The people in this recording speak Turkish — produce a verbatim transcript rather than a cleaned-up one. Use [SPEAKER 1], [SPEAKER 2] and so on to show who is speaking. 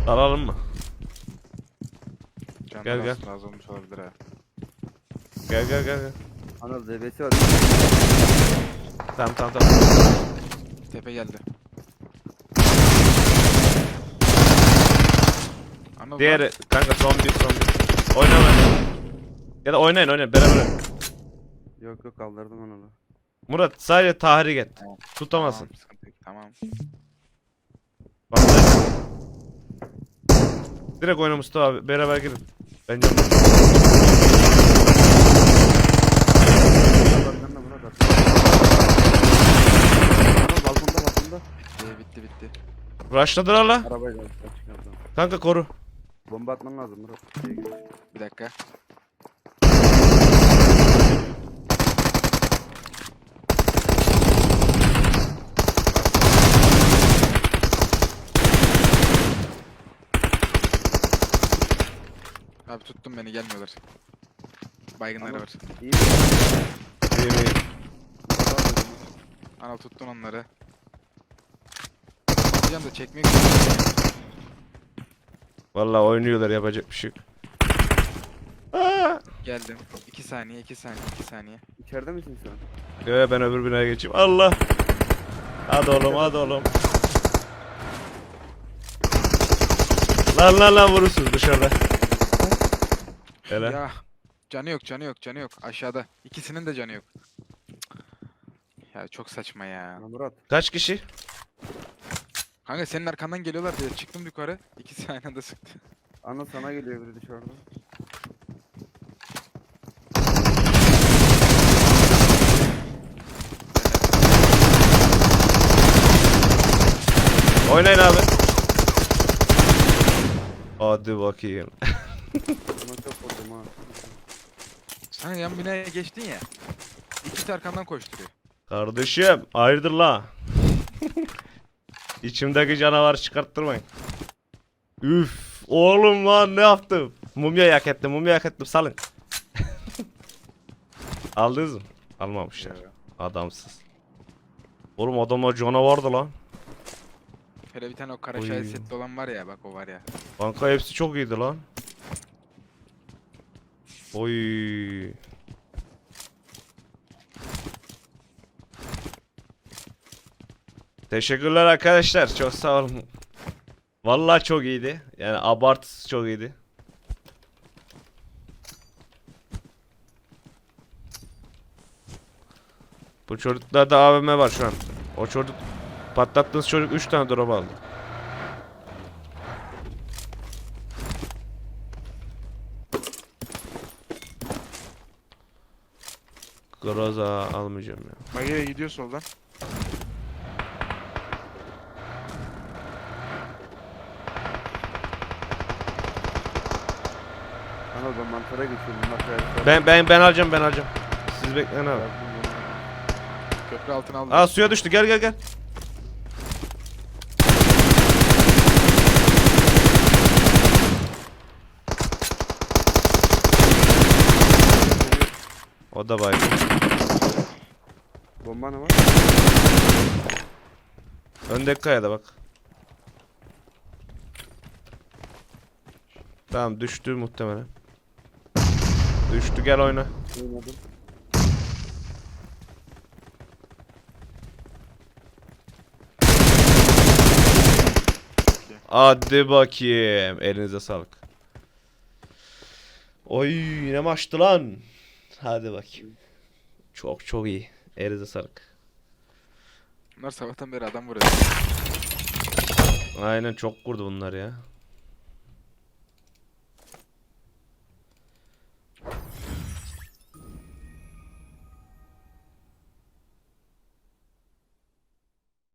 [SPEAKER 1] Alalım mı?
[SPEAKER 2] Canlar
[SPEAKER 1] Gel, gel.
[SPEAKER 2] aslında az olmuş olabilir ha.
[SPEAKER 1] Gel gel gel gel.
[SPEAKER 3] Anıl D B'si var.
[SPEAKER 1] Tamam tamam tamam.
[SPEAKER 2] Tepe geldi. Anıl
[SPEAKER 1] Diğeri kanka son bir son bir. Oyna ben. Ya da oynayın oynayın beraber. oynayın.
[SPEAKER 3] Yok yok kaldırdım Anıl'ı.
[SPEAKER 1] Murat sadece tahrik et.
[SPEAKER 2] Tamam.
[SPEAKER 1] Tutamazsın.
[SPEAKER 2] Tamam, sıkıntı yok. Tamam.
[SPEAKER 1] Bak sen- Direkt oyna Mustafa abi. Beraber girin. Bence
[SPEAKER 3] Arkanda Murat at. Anıl balkonda balkonda.
[SPEAKER 2] Bitti bitti bitti.
[SPEAKER 1] rushladılar la.
[SPEAKER 3] Arabayla çıkardım.
[SPEAKER 1] Kanka koru.
[SPEAKER 3] Bomba atman lazım Murat. Şeye gir.
[SPEAKER 2] Bir dakika. Abi tuttum beni gelmiyorlar. Baygınları
[SPEAKER 3] Anıl.
[SPEAKER 2] var.
[SPEAKER 3] İyi.
[SPEAKER 1] İyi iyi.
[SPEAKER 3] Murat at dedim.
[SPEAKER 2] Anıl tuttun onları. Hocam da çekmiyor ki.
[SPEAKER 1] Vallahi oynuyorlar yapacak bir şey yok. Aa!
[SPEAKER 2] Geldim. iki saniye, iki saniye, iki saniye.
[SPEAKER 3] İçeride misin şu an?
[SPEAKER 1] Yo, ben öbür binaya geçeyim. Allah. Hadi oğlum hadi oğlum. Lan lan lan vurursunuz dışarıda. Hele.
[SPEAKER 2] Ya canı yok, canı yok, canı yok. Aşağıda. İkisinin de canı yok. Ya çok saçma ya.
[SPEAKER 3] Ha, Murat.
[SPEAKER 1] Kaç kişi?
[SPEAKER 2] Kanka senin arkandan geliyorlar diye çıktım yukarı. İkisi aynı anda sıktı.
[SPEAKER 3] Anıl sana geliyor biri dışarıda.
[SPEAKER 1] Oynayın abi. Hadi bakayım.
[SPEAKER 3] Buna çok vurdum ha.
[SPEAKER 2] Sen yan binaya geçtin ya. İkisi arkandan koşturuyor.
[SPEAKER 1] Kardeşim hayırdır la? İçimdeki canavarı çıkarttırmayın. Üf oğlum lan ne yaptım? Mumya yak ettim mumya yak ettim salın. Aldınız mı? Almamışlar. Adamsız. Oğlum adamlar canavardı lan.
[SPEAKER 2] Hele bir tane o kara
[SPEAKER 1] Oy.
[SPEAKER 2] şahit setli olan var ya bak o var ya.
[SPEAKER 1] Kanka hepsi çok iyiydi lan. Oy. Teşekkürler arkadaşlar. Çok sağ olun. Vallahi çok iyiydi. Yani abartısız çok iyiydi. Bu çocuklarda A V M var şu an. O çocuk patlattığınız çocuk üç tane drop aldı. Groza almayacağım ya.
[SPEAKER 2] Maya'ya gidiyor soldan.
[SPEAKER 3] Anıl ben mantara geçiyorum. Bunlar kayaklar.
[SPEAKER 1] Ben ben ben alacağım ben alacağım. Siz bekleyin abi.
[SPEAKER 2] Köprü altına aldı.
[SPEAKER 1] Aa suya düştü gel gel gel. O da baygın.
[SPEAKER 3] Bomba ne var?
[SPEAKER 1] Öndeki kayada bak. Tamam düştü muhtemelen. Düştü gel oyna.
[SPEAKER 3] Oynadım.
[SPEAKER 1] Hadi bakayım. Elinize sağlık. Oy ne maçtı lan. Hadi bakayım. Çok çok iyi. Elinize sağlık.
[SPEAKER 2] Bunlar sabahtan beri adam vuruyor.
[SPEAKER 1] Aynen çok kurdu bunlar ya.